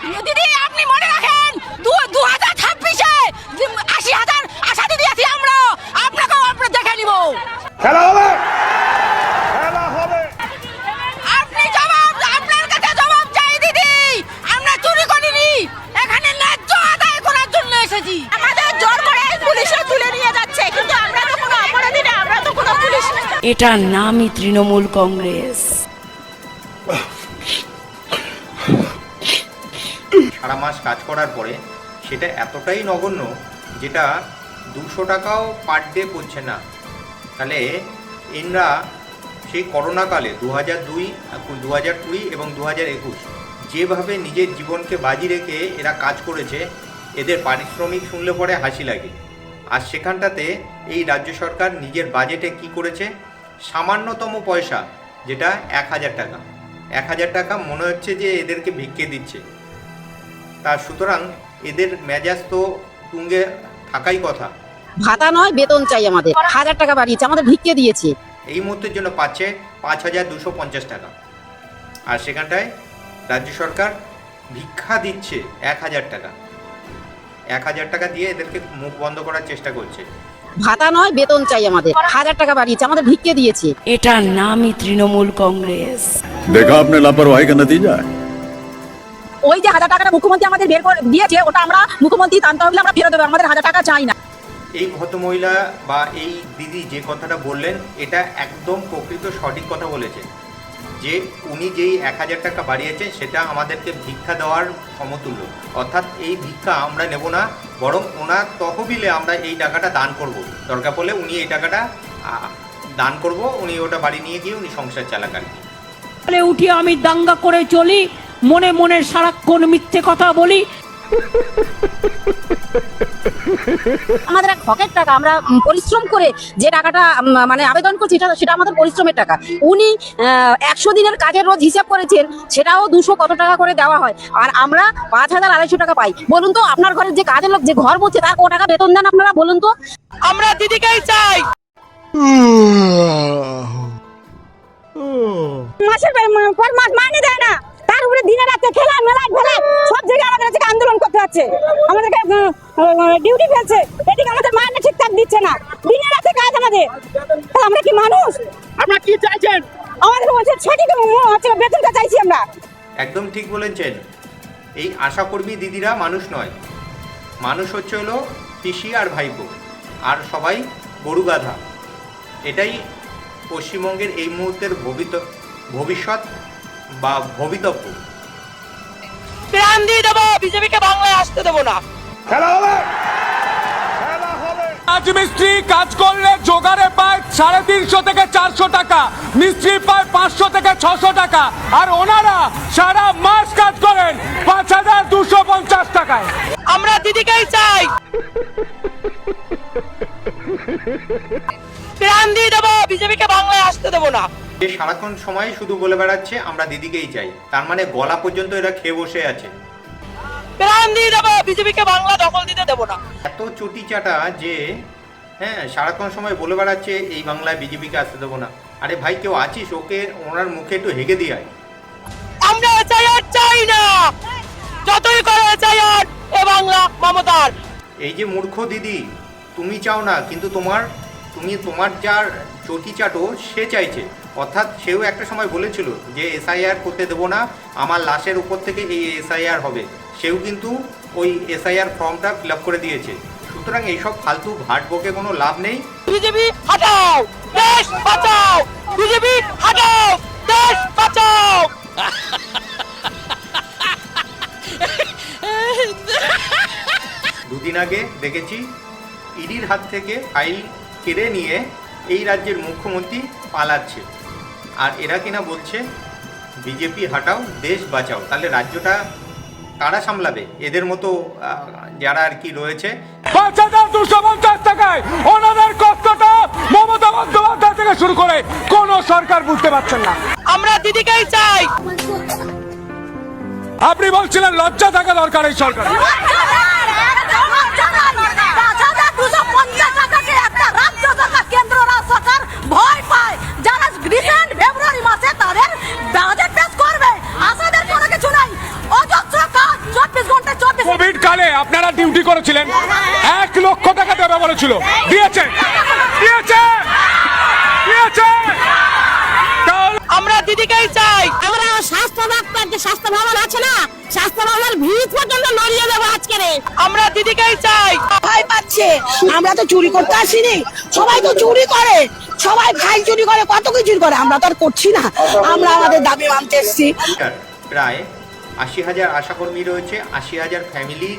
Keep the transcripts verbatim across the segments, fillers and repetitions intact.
দিদি আপনি মনে রাখেন দু হাজার ছাব্বিশে আশি হাজার আশা দিদি আছি আমরা, আপনাকেও আমরা দেখে নিব। খেলা হবে, খেলা হবে। আপনি জবাব, আপনার কাছে জবাব চাই দিদি। আমরা চুরি করিনি, এখানে ন্যায্য আদায় করার জন্য এসেছি। আমাদের জোর করে পুলিশে তুলে নিয়ে যাচ্ছে, কিন্তু আমরা তো কোনো অপরাধী না, আমরা তো কোনো পুলিশ না। এটার নামই তৃণমূল কংগ্রেস। সারা মাস কাজ করার পরে সেটা এতটাই নগণ্য যেটা দুশো টাকাও পার ডে পড়ছে না। তাহলে এনরা সেই করোনাকালে দু হাজার দুই দু হাজার কুড়ি এবং দু হাজার একুশ যেভাবে নিজের জীবনকে বাজি রেখে এরা কাজ করেছে, এদের পারিশ্রমিক শুনলে পরে হাসি লাগে। আর সেখানটাতে এই রাজ্য সরকার নিজের বাজেটে কি করেছে, সামান্যতম পয়সা যেটা এক হাজার টাকা এক হাজার টাকা মনে হচ্ছে যে এদেরকে ভিক্ষে দিচ্ছে। তা সুতরাং এদের মেজাজ তো তুঙ্গে থাকাই কথা। ভাতা নয়, বেতন চাই আমাদের। হাজার টাকা বাড়িয়েছে, আমাদের ভিক্ষে দিয়েছে। এই মুহূর্তের জন্য পাচ্ছে পাঁচ হাজার দুশো পঞ্চাশ টাকা, আর সেখানটায় রাজ্য সরকার ভিক্ষা দিচ্ছে এক হাজার টাকা এক হাজার টাকা দিয়ে এদেরকে মুখ বন্ধ করার চেষ্টা করছে। ভাতা নয়, বেতন চাই আমাদের। হাজার টাকা বাড়িয়েছে, আমাদের ভিক্ষে দিয়েছে। এটার নামই তৃণমূল কংগ্রেস। দেখা আপনি লাপরওয়াহি কা নতিজা। ওই যে হাজার টাকাটা মুখ্যমন্ত্রী আমাদের বের করে দিয়েছে, ওটা আমরা মুখ্যমন্ত্রী টানতে হবে, আমরা ফেরত দেবো। আমাদের হাজার টাকা চাই না। এই ভদ্রমহিলা বা এই দিদি যে কথাটা বললেন এটা একদম প্রকৃত সঠিক কথা বলেছেন, যে উনি যেই এক হাজার টাকা বাড়িয়েছেন সেটা আমাদেরকে ভিক্ষা দেওয়ার সমতুল্য। অর্থাৎ এই ভিক্ষা আমরা নেব না, বরং ওনার তহবিলে আমরা এই টাকাটা দান করব। দরকার পড়লে উনি এই টাকাটা দান করব, উনি ওটা বাড়ি নিয়ে গিয়ে উনি সংসার চালাকার। উঠি আমি দাঙ্গা করে চলি, মনে মনে সারাক্ষণ মিথ্যে কথা বলি। আমাদের এক হকের টাকা, আমরা পরিশ্রম করে যে টাকাটা মানে আবেদন করছি সেটা আমাদের পরিশ্রমের টাকা। উনি একশো দিনের কাজের রোজ হিসাব করেছেন, সেটাও দুশো কত টাকা করে দেওয়া হয়, আর আমরা পাঁচ হাজার আড়াইশো টাকা পাই। বলুন তো, আপনার ঘরের যে কাজের লোক যে ঘর বলছে তার ক টাকা বেতন দেন আপনারা, বলুন তো? আমরা দিদিকেই চাই। মাসের পর মাস মাইনে দেয় না, তার উপরে দিনে রাতে খেলা মেলা ফেলা সব জায়গায় আমাদের কাছে আন্দোলন করতে হচ্ছে। আমাদেরকে ডিউটি ফেলছে, এদিকে আমাদের মাইনে ঠিকঠাক দিচ্ছে না, দিনে রাতে কাজ আমাদের। আমরা কি মানুষ? আপনারা কি চাইছেন? আমাদের বলছে সঠিক বেতনটা চাইছি আমরা। একদম ঠিক বলেছেন। এই আশাকর্মী দিদিরা মানুষ নয়, মানুষ হচ্ছে হলো পিসি আর ভাইপো, আর সবাই গরু গাধা। এটাই পশ্চিমবঙ্গের এই মুহূর্তের ভবিষ্যৎ বা ভবিতব্য। প্রাণ দিয়ে দেবো, বিজেপিকে বাংলায় আসতে দেবো না। খেলা হবে, খেলা হবে। রাজমিস্ত্রি কাজ করলে জোগাড়ে পায় সাড়ে তিনশো থেকে চারশো টাকা, মিস্ত্রি পায় পাঁচশো থেকে ছশো টাকা, আর ওনারা সারা মাস কাজ করেন পাঁচ হাজার দুশো পঞ্চাশ টাকায়। আমরা দিদিকেই চাই। প্রাণ দিয়ে দেবো, বিজেপিকে বাংলায় আসতে দেবো না। যে সারাক্ষণ সময় শুধু বলে বেড়াচ্ছে আমরা দিদিকেই চাই, তার মানে গলা পর্যন্ত এরা খেয়ে বসে আছে। প্রাণ দিয়ে দেবো, বিজেপিকে বাংলা দখল দিতে দেবো না। এত চটি চাটা যে হ্যাঁ সারাক্ষণ সময় বলে বেড়াচ্ছে এই বাংলায় বিজেপিকে আসতে দেবো না। আরে ভাই, কেউ আছিস, ওকে ওনার মুখে একটু হেগে দিয়ে আয়। আমরা চাই আর চাই না, যতই করে চাই আর এ বাংলা মমতার। এই যে মূর্খ দিদি, তুমি চাও না, কিন্তু তোমার তুমি তোমার যার চটি চাটো সে চাইছে। অর্থাৎ সেও একটা সময় বলেছিল যে এসআইআর করতে দেবো না, আমার লাশের উপর থেকে এই এসআইআর হবে। সেও কিন্তু ওই এসআইআর ফর্মটা ফিল আপ করে দিয়েছে। সুতরাং এইসব ফালতু ভাট বকে কোনো লাভ নেই। বিজেপি হটাও, দেশ বাঁচাও। বিজেপি হটাও, দেশ বাঁচাও। দুদিন আগে দেখেছি ইডির হাত থেকে ফাইল কেড়ে নিয়ে এই রাজ্যের মুখ্যমন্ত্রী পালাচ্ছে, আর এরা কিনা বলছে বিজেপি হাটাও দেশ বাঁচাও। তাহলে রাজ্যটা কারা সামলাবে? এদের মতো যারা আর কি রয়েছে। পাঁচ হাজার দুশো পঞ্চাশ টাকায় ওনাদের কষ্টটা মমতা বন্দ্যোপাধ্যায় থেকে শুরু করে কোন সরকার বুঝতে পারছেন না। আমরা দিদিকেই চাই। আপনি বলছিলেন লজ্জা থাকা দরকার এই সরকার। ভয় পায় যারা রিসেন্ট ফেব্রুয়ারি মাসে তাদের বাজেট পেশ করবে, আসাদের কোনো কিছু নাই। অযথা কাজ আপনারা ডিউটি করেছিলেন এক লক্ষ টাকা দেবে বলেছিল, দিয়েছে দিয়েছে দিয়েছে তাহলে আমরা দিদিকেই চাই। আমরা স্বাস্থ্য দপ্তর যে স্বাস্থ্য ভবন আছে না, স্বাস্থ্য ভবনের ভিত পর্যন্ত নড়িয়ে দেবো আজকে। আমরা দিদিকেই চাই। ভয় পাচ্ছে, আমরা তো চুরি করতে আসিনি, সবাই তো চুরি করে, সবাই ভাই চুরি করে, কত কি চুরি করে, আমরা তো আর করছি না, আমরা আমাদের দাবি মানতে এসেছি। প্রায় আশি হাজার আশাকর্মী রয়েছে, আশি হাজার ফ্যামিলির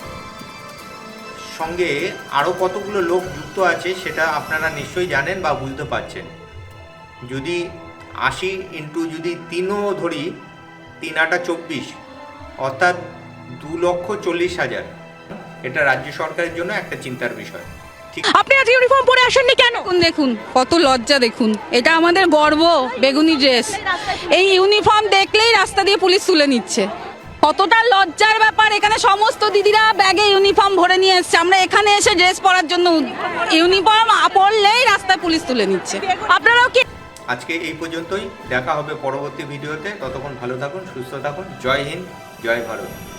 সঙ্গে আরও কতগুলো লোক যুক্ত আছে সেটা আপনারা নিশ্চয়ই জানেন বা বুঝতে পারছেন। যদি আশি ইন্টু যদি তিনও ধরি, তিন আটা চব্বিশ, অর্থাৎ দু লক্ষ চল্লিশ হাজার। এটা রাজ্য সরকারের জন্য একটা চিন্তার বিষয়। ঠিক আপনি আজ ইউনিফর্ম পরে আসেননি কেন? দেখুন দেখুন কত লজ্জা, দেখুন এটা আমাদের গর্ব, বেগুনি ড্রেস। এই ইউনিফর্ম দেখলেই রাস্তা দিয়ে পুলিশ তুলে নিচ্ছে। কতটা লজ্জার ব্যাপার, এখানে সমস্ত দিদিরা ব্যাগে ইউনিফর্ম ভরে নিয়ে এসছে, আমরা এখানে এসে ড্রেস পরার জন্য ইউনিফর্ম পরলেই রাস্তায় পুলিশ তুলে নিচ্ছে। আপনারাও কি? আজকে এই পর্যন্তই, দেখা হবে পরবর্তী ভিডিওতে। ততক্ষণ ভালো থাকুন, সুস্থ থাকুন। জয় হিন্দ, জয় ভারত।